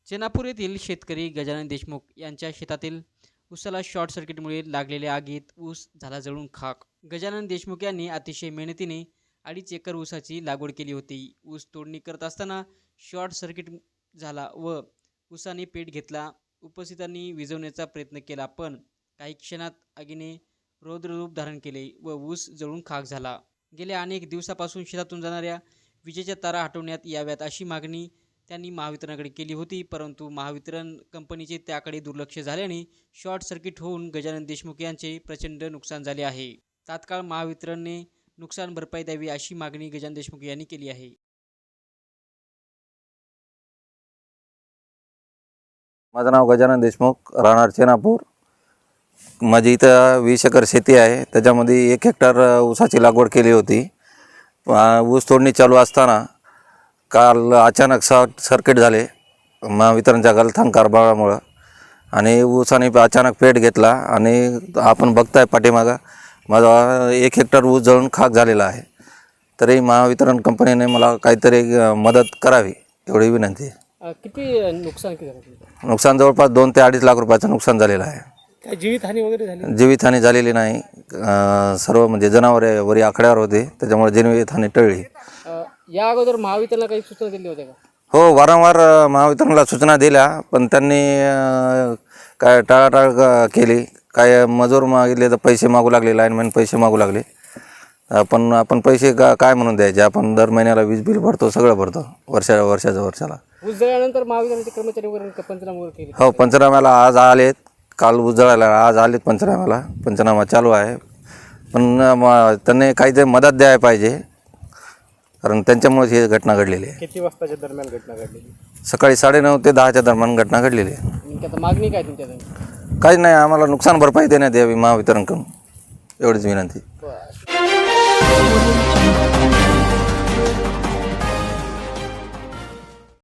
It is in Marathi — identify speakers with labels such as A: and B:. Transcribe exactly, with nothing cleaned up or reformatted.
A: चेनापूर येथील शेतकरी गजानन देशमुख यांच्या शेतातील ऊसाला शॉर्ट सर्किटमुळे लागलेल्या आगीत ऊस झाला जळून खाक। गजानन देशमुख यांनी अतिशय मेहनतीने अडीच एकर ऊसाची लागवड केली होती। ऊस तोडणी करत असताना शॉर्ट सर्किट झाला व ऊसाने पेट घेतला। उपस्थितांनी विझवण्याचा प्रयत्न केला, पण काही क्षणात आगीने रौद्ररूप धारण केले व ऊस जळून खाक झाला। गेल्या अनेक दिवसापासून शेतातून जाणाऱ्या विजेच्या तारा हटवण्यात याव्यात अशी मागणी त्यांनी महावितरणाकडे केली होती, परंतु महावितरण कंपनीचे त्याकडे दुर्लक्ष झाल्याने शॉर्ट सर्किट होऊन गजानन देशमुख यांचे प्रचंड नुकसान झाले आहे। तात्काळ महावितरणने नुकसान भरपाई द्यावी अशी मागणी गजानन देशमुख यांनी केली आहे।
B: माझं नाव गजानन देशमुख, राहणार चेनापूर। माझी इथं वीस एकर शेती आहे, त्याच्यामध्ये एक हेक्टर ऊसाची लागवड केली होती। ऊस तोडणी चालू असताना काल अचानक शॉर्ट सर्किट झाले महावितरणच्या गलथान कारभारामुळं आणि ऊसाने अचानक पेट घेतला आणि आपण बघताय पाठीमागं माझा एक हेक्टर ऊस जळून खाक झालेला आहे। तरी महावितरण कंपनीने मला काहीतरी मदत करावी एवढी विनंती आहे।
C: किती नुकसान किती झालं?
B: नुकसान जवळपास दोन ते अडीच लाख रुपयाचं नुकसान झालेलं आहे।
C: काय जीवितहानी वगैरे झाली?
B: जीवितहानी झालेली नाही, सर्व म्हणजे जनावरे वरी आकड्यावर होते, त्याच्यामुळे जीवितहानी टळली।
C: या अगोदर महावितरणला काही सूचना दिली होत्या का?
B: हो, वारंवार महावितरणला सूचना दिल्या, पण त्यांनी काय टाळाटाळ केली। काय मजूर मागितले तर पैसे मागू लागले, लाईनमॅन पैसे मागू लागले। आपण आपण पैसे का काय म्हणून द्यायचे? आपण दर महिन्याला वीज बिल भरतो, सगळं भरतो वर्षा वर्षाच्या वर्षाला।
C: ऊस जळल्यानंतर महावितरणचे कर्मचारी वगैरे पंचनामा वगैरे केले?
B: हो, पंचनाम्याला आज आलेत, काल ऊस जळायला आज आलेत पंचनाम्याला, पंचनामा चालू आहे। पण त्यांनी काहीतरी मदत द्यायला पाहिजे, कारण त्यांच्यामुळेच ही घटना घडलेली आहे।
C: किती वाजताच्या दरम्यान घटना घडलेली?
B: सकाळी साडेनऊ ते दहाच्या दरम्यान घटना घडलेली आहे।
C: नेमकी आता मागणी काय तुमच्या?
B: काहीच नाही, आम्हाला नुकसान भरपाई देण्यात यावी महावितरणकडून, एवढीच विनंती।